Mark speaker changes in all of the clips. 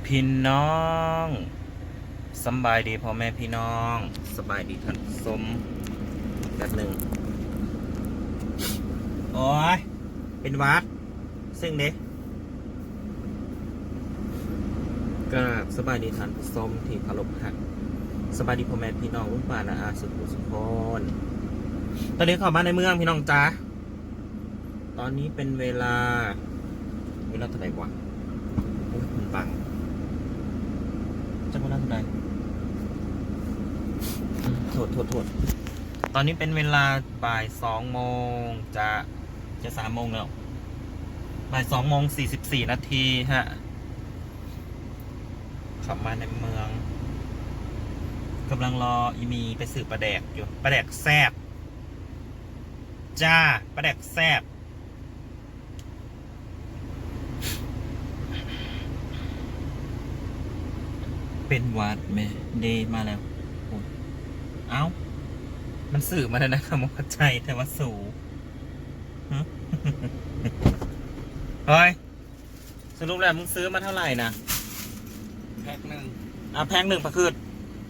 Speaker 1: พี่น้องสบายดีพ่อแม่พี่น้องสบายดีท่านสมแบบหนึ่งโอ้ยเป็นวัดซึ่งเด็กก็สบายดีท่านสมที่เคารพหักสบายดีพ่อแม่พี่น้องลุงป่านะอาสุขุสุพรตอนนี้เข้ามาในเมืองพี่น้องจ้าตอนนี้เป็นเวลาเท่าไหร่วะโอ้ยมันบังจะเวลาเท่าไหร่โทษตอนนี้เป็นเวลาบ่าย2 โมงจะ3 โมงแล้วบ่าย2 โมง 44 นาทีฮะขับมาในเมืองกำลังรออีมีไปสืบปลาแดกอยู่ปลาแดกแซบจ้าปลาแดกแซบเป็นวัดไหมเดมาแล้วโอ้ยเอ้ามันสื่อมาแล้วนะครับมกใจแต่ว่าสูเฮ้ยสรุปแล้วมึงซื้อมาเท่าไหร่นะ
Speaker 2: แพ็คหนึ่ง
Speaker 1: แพ็คหนึ่งปะคืด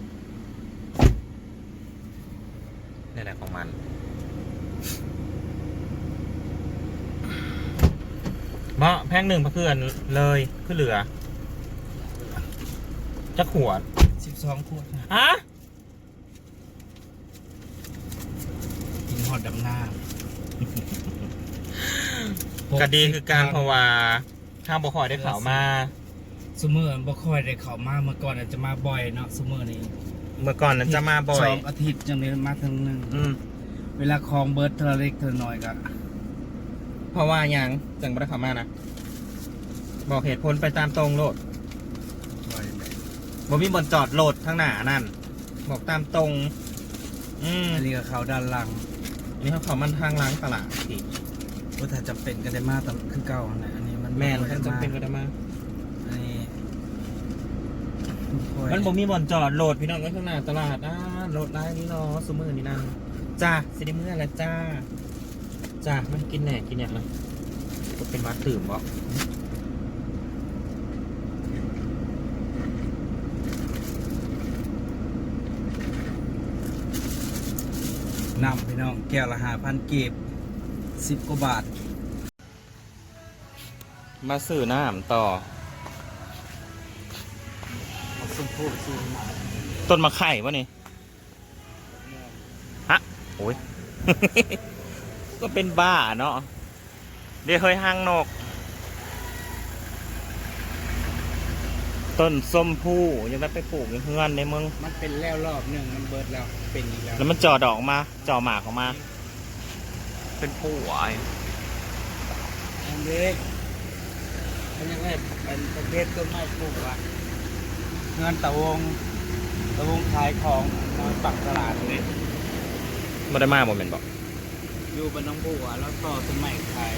Speaker 1: นี่แหละของมันเมาะแพ็คหนึ่งปะคืดเลยขึ้นเหลือจะขวด
Speaker 2: 12 ขวด
Speaker 1: ฮะ
Speaker 2: กินหอดดำหน้า
Speaker 1: ก็ดีคือการเพราะว่าข้างบ่คอยได้ข่าวมา
Speaker 2: ซูเมอร์บ่ค่อยได้เข้ามาเมื่อก่อนอาจจะมาบ่อยเนาะซูเมอร์นี่
Speaker 1: เมื่อก่อนนั้นจะมาบ่อย
Speaker 2: 2 อาทิตย์จังเลยมาครั้งนึงเวลาคลองเบิร์ดเทอเล็กเทอน้อยก็
Speaker 1: เพราะว่าอย่างจังบ่ได้ข่าวมานะบอกเหตุผลไปตามตรงโลดบ่มีบนจอดโหลดทางหน้านั่นบอกตามตรง
Speaker 2: อันนี้ก็เขาด้านหลัง
Speaker 1: อันนี้เขามันทางล้างตลาดที่
Speaker 2: ว่าถ้าจำเป็นก็ได้มาตามคือเก่านะอันนี้มัน
Speaker 1: แม่นถ้าจำเป็นก็ได้มา
Speaker 2: อันนี้
Speaker 1: มันบ่มีบนจอดโหลดพี่น้องก็ข้างหน้าตลาดโหลดได้นี่เนาะซุมื้อนี่นั่นจ้าสิได้มื้อละจ้ามันกินแหน่กินเนี่ยเลยก็เป็นวัดตื่มบ่
Speaker 2: นำพี่น้องแก้วละ5,000 กีบ10 กว่าบาท
Speaker 1: มาซื้อน้ำต่อต้นมะไข่วะนี่ฮะโอ้ย ก็เป็นบ้าเนาะเดี๋ยวเคยห้างนกต้นส้มผู้ยังได้ไปปลูกในเฮือนในเมือง
Speaker 2: มันเป็นแล้วรอบหนึ่งมันเบิดแล้วเป็นอีก
Speaker 1: แล้วมันจ่อดอกมาจ่อหมากออกมาเป็นผู้ไอ้
Speaker 2: อันนี้มันยังไงเป็นประเภทต้นไม้ปลูกว่ะเงินตะวงขายของนอนปักตลาดเลย
Speaker 1: ไม่ได้มาโมเมนต์บอก
Speaker 2: อยู่บนน้องบัวแล้วต่อต้นไม้ขาย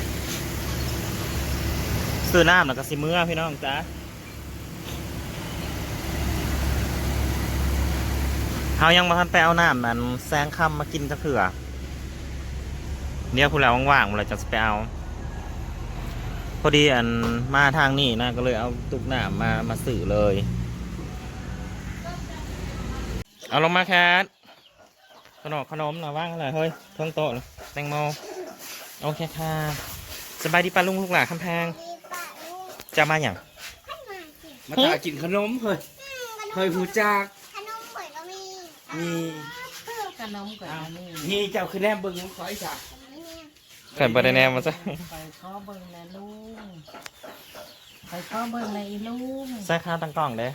Speaker 1: ซื้อน้ำแล้วก็สิเมื่อพี่น้องจ้าเขายังมาทันไปเอาน้ำนั้นแซงคำมากินจะเผื่อเนี่ยพูดแล้วว่างๆเลยจะไปเอาพอดีอันมาทางนี้นะก็เลยเอาตุกน้ำมาสื่อเลยเอาลงมาแคทขนมเราว่างอะไรเฮ้ยเพิ่งโต๊ะแตงโมโอเคค่ะสบายดีป้าลุงลูกหลานคำแพงจะมาอย่าง
Speaker 2: มาตากินขนมเฮ้ยหูจากมี
Speaker 3: ขนมก่อน
Speaker 2: นี่เจ้าคือแนมเบิ้งขอไอ้จ่า
Speaker 1: ไข่บดแนมมาซะ
Speaker 3: ไปข้อเบิ้งนะลุงไปข้อเบิ้งในลุง
Speaker 1: ใส่ข้าวตั้งกล่องเด้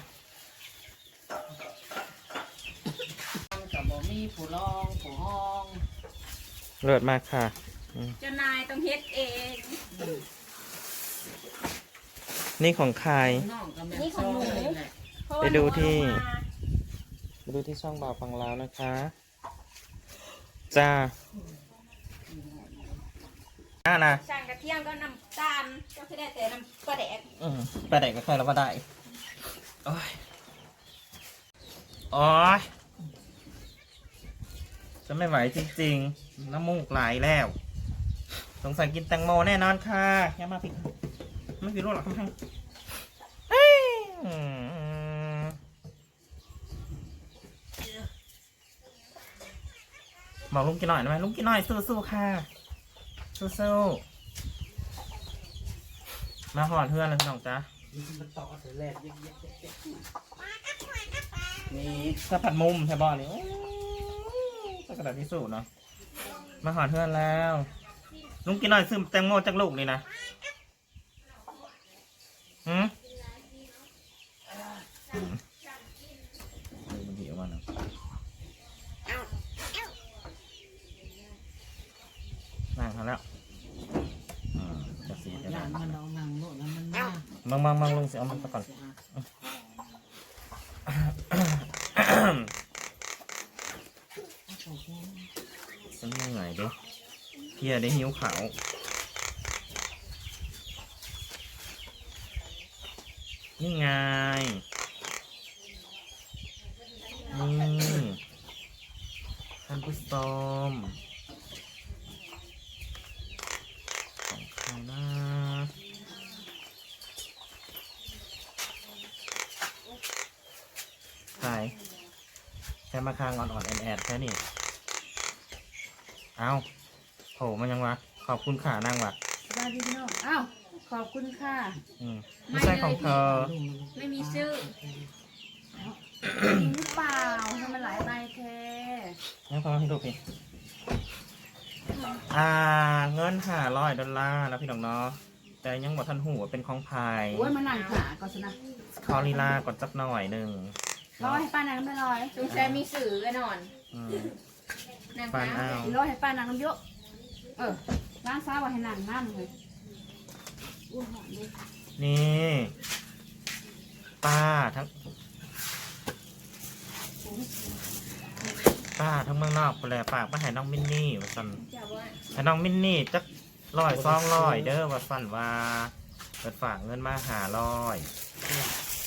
Speaker 3: กับบ่มีผู้รองผู้ห้อง
Speaker 1: เลิศมากค่ะ
Speaker 3: เจ้านายต้องเฮ็ดเอง
Speaker 1: นี่ของใคร
Speaker 3: นี่ของหนู
Speaker 1: ไปดูที่ช่องบ่าวฟังลาวนะคะจ้านะ
Speaker 3: ช่างกระเทียมก็น้ำตาลก็คือได้แต่น้ำปลาแดก
Speaker 1: ปลาแดกก็ใครเราก็ได้โอ้ยจะไม่ไหวจริงๆน้ำมูกไหลแล้วสงสัยกินแตงโมแน่นอนค่ะอย่ามาผิดไม่ผิดรู้หรอกทำไมบอกลุงกินหน่อยได้ไหมลุงกินหน่อยสู้ๆค่ะสู้ๆมาหอดเพื่อนเลยพี่น้องจ๊ะ
Speaker 2: มันต่อเสร็จแล้วนี่
Speaker 1: ถ้าผัดมุมใช่บ่อนี่ก็กระดาษที่สุดเนาะมาหอดเพื่อนแล้วลุงกินหน่อยซื้อแตงโมจากลูกนี่นะหืมมันหิวมันเนาะนั่งเขาแล้วจะสีจะ
Speaker 3: ห
Speaker 1: ได้
Speaker 3: ลานมันเอาหนังโลดแล้วมันมา
Speaker 1: มังลุงสิเอามันไปก่อนฉันเหนื่อยดิเพียได้หิวเขานี่ไงนี่ท่านผู้ชมของใครนะใครแค่มาคางอ่อนๆแอดๆแค่นี้เอาโหมันยังวะขอบคุณค่ะนั่งวะ
Speaker 4: สวัสดีพี่น้องอ้าวขอบคุณค่ะ
Speaker 1: ไม่ใช่ของเธอ
Speaker 4: ไม่มีชื่อจริงหรือเปล่าทำไมหลายใบแท้
Speaker 1: งั้นพอให้ดูพี่เงิน$500แล้วพี่น้องเนาะแต่ยังบอกท่านหูว่าเป็นของพาย
Speaker 4: โอ้ยมานั่งขาก่อนสินะ
Speaker 1: คอลีลาก่อนจักหน่อยหนึ่ง
Speaker 4: ร้อยให้ป้านางน้ำไม่ร้อย
Speaker 5: สงสัยมีสื่อกันนอน นาง
Speaker 1: ปาน
Speaker 5: น้
Speaker 1: อ้าว
Speaker 4: ร้อยให้ป้านางน้ำเยอะร้านซ้าว่าให้นางน้ำเลยอ้วนหอมเลย
Speaker 1: นี่ป้าทั้งเมืองนอกไปเลยฝากมาให้น้องมินนี่ว่าสัน
Speaker 5: ำจะว่า
Speaker 1: ให้น้องมินนี่จัก100 200เด้อว่าสันว่าเปิดฝากเงินมา500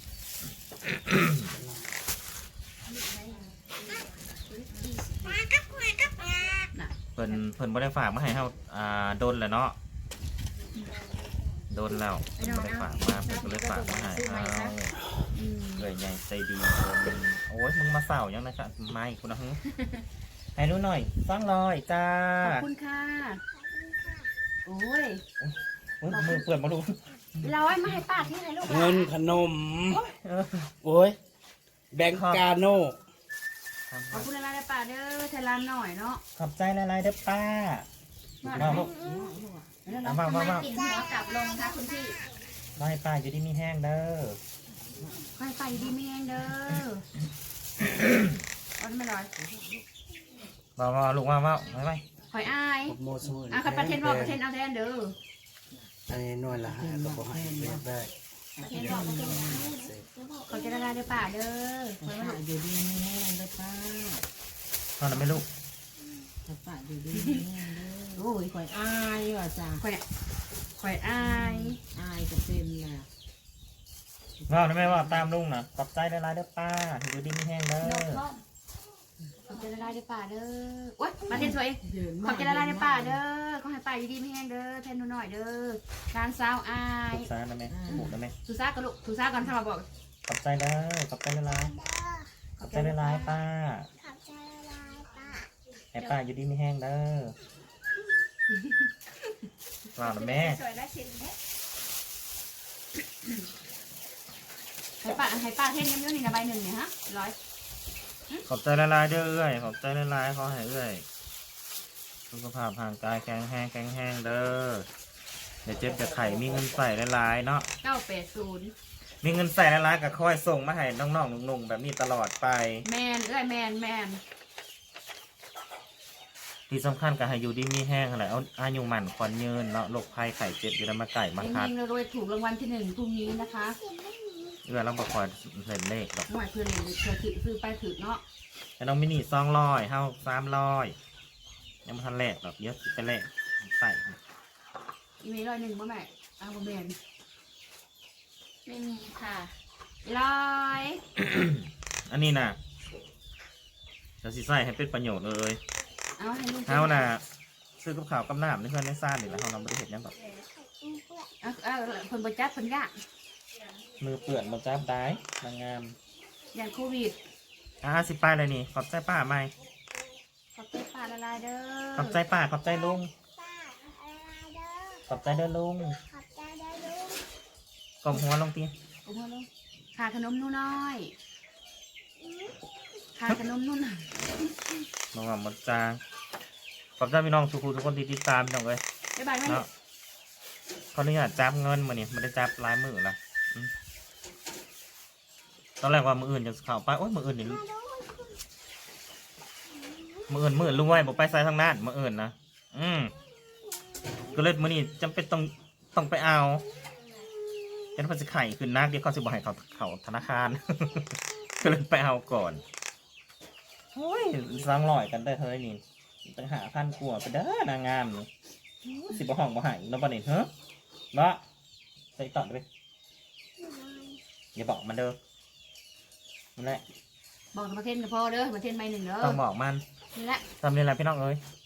Speaker 1: เพิ่นบ่ได้ฝากมาให้เฮาโดนแล้วเนาะโดนแล้วเพิ่นบ่ได้ฝากมาเพิ่นก็เลยฝากมาให้เอาเลยใหญ่ใจดีเพิ่นโอ้ยมึงมาเศร้ายังนะครับไม่คุณนะฮึให้รู้หน่อย200จ้า
Speaker 4: ขอบคุณค่ะโอ้ย
Speaker 1: มือเปื่อนมาดู
Speaker 4: ร้อยมาให้ป้าที่ไหนลูก
Speaker 2: เงินขนม
Speaker 1: เออ
Speaker 2: โอ้ยแบงกาโน่
Speaker 4: ขอบคุณอะไรนะป้าเด้อเทลานหน่อยเนาะ
Speaker 1: ขอบใจหลายๆเด้อป้ามาลูก
Speaker 4: แล้ว
Speaker 1: มา
Speaker 4: เรา
Speaker 1: มา
Speaker 5: กินหัวกลับลงค่ะคุณพี่
Speaker 1: มาให้ป้าอยู่ที่มีแห้งเด้อ
Speaker 4: ค่อยไปดีเมียงเด้อเอาไม่ร้อย
Speaker 1: มาลูกมาไป
Speaker 4: คอยอาย
Speaker 2: โมสมุน
Speaker 4: อ่ะคันประเทศบอกประเทศเอาแทนเด้อ
Speaker 2: อันนี้หน่วยละ5ก็บ่ให้เรียกได้
Speaker 4: เขาจะละลายเด้อป่าเด้อ
Speaker 3: ป้าอยู่ดีไม่แห้งเลยป้า
Speaker 1: ตอนนั้นไม่ลูก
Speaker 3: ป้าอยู่ดีไม่แห้งเลยโอ้ยข่อยอายว่ะจ้า
Speaker 4: คอยอาย
Speaker 3: อายก็เป็นแหละ
Speaker 1: ว่าได้ไหมว่าตามลุงนะขอบใจหลายๆเด้อป้าอยู่ที่มีแห้งเด้อ
Speaker 4: นกท้องเขาจะละลายเด้อป่าเด้อโอ๊ยประเทศสวย
Speaker 3: เดิน
Speaker 4: เขาจะละลายเด้อป่าเด้อเขาให้ป่าอยู่ดีไม่แห้งเด้อแทนหนูหน่อยเด้อการสาวอาย
Speaker 1: ซ่าได้ไหมผูกได้ไหม
Speaker 4: สุซ่ากันลูกสุซ่ากันถ้ามาบอก
Speaker 1: ขอบใจเด้อขอบใจหลายๆขอบใจหลายๆป้าให้ป้าอยู่ที่มีแห้งเด้อว่าหน่อยแม่
Speaker 5: สวยและชิ้นเนี้ย
Speaker 4: ให้ป้าเทนเยอะๆนี่นะใบหนึ่งเนี่ยฮะร้อย
Speaker 1: ขอบใจหลายๆเด้อเอ้ยขอบใจหลายๆขอให้เอ้ยสุขภาพร่างกายแข็งแรงเด้อเดี๋ยวเจ็บจะไข่มีเงินใส่หลายๆเนาะ
Speaker 4: 980
Speaker 1: มีเงินใส่หลายๆก็ค่อยส่งมาให้น้องๆหนุ่มๆแบบนี้ตลอดไป
Speaker 4: แมนแมน
Speaker 1: ที่สำคัญก็ให้อยู่ดีมีแห้งอะไรเอาอายุหมันควันยืนเนาะโรคภัยไข้เจ็บอยู่ในมาไก่มาคัด
Speaker 4: เองๆรวยๆถูกรางวัลที่1พรุ่งนี้นะคะ
Speaker 1: เราบอกคอยเล่นเลขหรอก
Speaker 4: หน่วยเพื่อนเลยเพื่อซื้อไปถือเนาะ
Speaker 1: แต่น้องมินิ200เฮา300ยังไม่ทันแลกหรอกเยอะไปแลกใส่
Speaker 4: อีเมลร้อยหนึ่งบ่แม่เอาบ่แม่น
Speaker 5: ไม่มีค่ะ
Speaker 4: ร้อย
Speaker 1: อันนี้นะเราสิใส่ให้เป็นประโยชน์เลย
Speaker 4: เอาให้ลุง
Speaker 1: เฮาน่ะซื้อกับข้าวกับน้ำในเพื่อนในซ่านนี่แหละเฮานำบริเห็นยังแบบ
Speaker 4: เอาเพิ่นบ่จัดเพิ่นยาก
Speaker 1: มือเปื่อนมาจ้าบได้นางงาม
Speaker 4: อย่างโควิด
Speaker 1: สิไปเลยนี่ขอบใจป้าไหม
Speaker 4: ขอบใจป้าละลายเด้อ
Speaker 1: ขอบใจป้าขอบใจลุง
Speaker 6: ป้าอะไรเด้อ
Speaker 1: ขอบใจเด้อลุง
Speaker 6: ขอบใจเด้อลุง
Speaker 1: กลมหัวลงตี
Speaker 4: โอ้โหลูกขาขนมนู่นน้อยขาขนมนู่นน่ะ
Speaker 1: น้องหมดจางขอบใจพี่น้องทุกคนที่ติดตามพี่น้องเลย
Speaker 4: บ๊ายบายแม่
Speaker 1: เนาะเขาเนี่ยจับเงินมาเนี่ยไม่ได้จับลายมือนะตอนแรกว่ามืออื่นจะเข้าไปโอ้ยมืออื่นนี่มืออื่นลุงไว้บอกไปใส่ทางนั้นมืออื่นนะก็เลยมือนี้จำเป็นต้องไปเอาเป็นคนสิไข่ขึ้นนักเดี๋ยวเขาสิบอกให้เขาธนาคาร ก็เลยไปเอาก่อนโอ้ย200กันได้เท่าไหร่นี่ตั้ง5,000 กว่าไปเด้อนางงามนี่สิบห้องบ่หายแล้วบ่เนี่ยเฮ้ยเนาะใส่ต่อด้วยอย่าบอกมันเด้อนั่นแหละ
Speaker 4: บอกกับประเทศกับพ่อเด้อประเทศไม่หนึ่งเด้อ
Speaker 1: ต้องบอกมัน
Speaker 4: นี่แหละ
Speaker 1: ทำเรียนอะไรพี่น้องเอ้ย